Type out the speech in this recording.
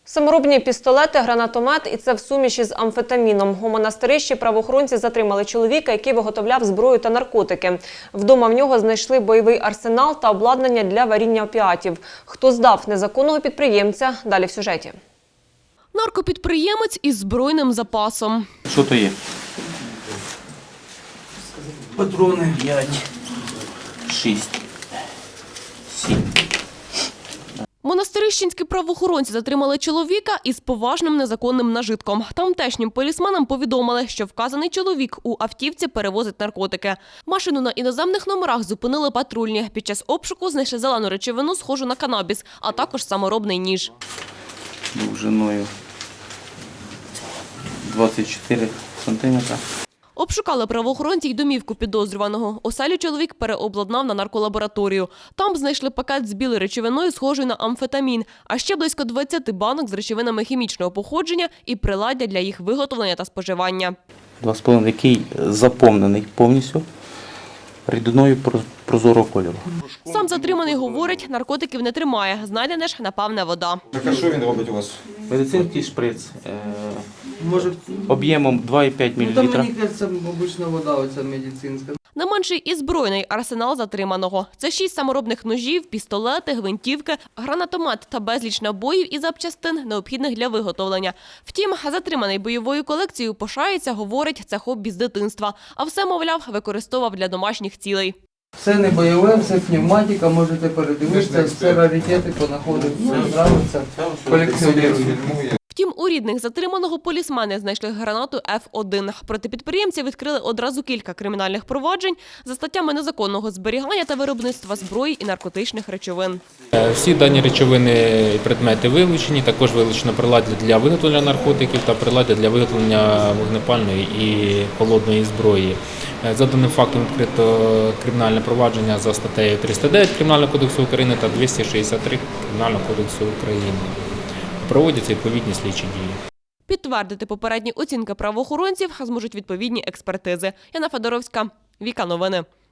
Саморобні пістолети, гранатомет і це в суміші з амфетаміном. У Монастирищі правоохоронці затримали чоловіка, який виготовляв зброю та наркотики. Вдома в нього знайшли бойовий арсенал та обладнання для варіння опіатів. Хто здав незаконного підприємця – далі в сюжеті. Наркопідприємець із збройним запасом. Що то є? Патрони. 5, 6, 7. Монастирищенські правоохоронці затримали чоловіка із поважним незаконним нажитком. Тамтешнім полісменам повідомили, що вказаний чоловік у автівці перевозить наркотики. Машину на іноземних номерах зупинили патрульні. Під час обшуку знайшли зелену речовину, схожу на канабіс, а також саморобний ніж. Довжиною 24 сантиметра. Обшукали правоохоронці й домівку підозрюваного. Оселю чоловік переобладнав на нарколабораторію. Там знайшли пакет з білою речовиною, схожою на амфетамін, а ще близько 20 банок з речовинами хімічного походження і приладдя для їх виготовлення та споживання. 2,5, який заповнений повністю рідиною прозорого кольору. Сам затриманий говорить, наркотиків не тримає. Знайдена ж, напевне, вода. Так а що він робить у вас? Медицинський шприц Може, об'ємом 2,5 там мл. мені кажеться, обична вода, оця медицинська. Не менший і збройний арсенал затриманого. Це 6 саморобних ножів, пістолети, гвинтівки, гранатомет та безліч набоїв і запчастин, необхідних для виготовлення. Втім, затриманий бойовою колекцією пишається, говорить, це хобі з дитинства. А все, мовляв, використовував для домашніх цілей. Все не бойове, все пневматика, можете передивитися, все раритети понаходити, все нравиться, колекціонують. Втім, у рідних затриманого полісмени знайшли гранату F1. Проти підприємця відкрили одразу кілька кримінальних проваджень за статтями незаконного зберігання та виробництва зброї і наркотичних речовин. Всі дані речовини і предмети вилучені, також вилучено приладдя для виготовлення наркотиків та приладдя для виготовлення вогнепальної і холодної зброї. За даним фактом відкрито кримінальне провадження за статтею 309 Кримінального кодексу України та 263 Кримінального кодексу України. Проводяться відповідні слідчі дії. Підтвердити попередні оцінки правоохоронців зможуть відповідні експертизи. Яна Федоровська, Віка Новини.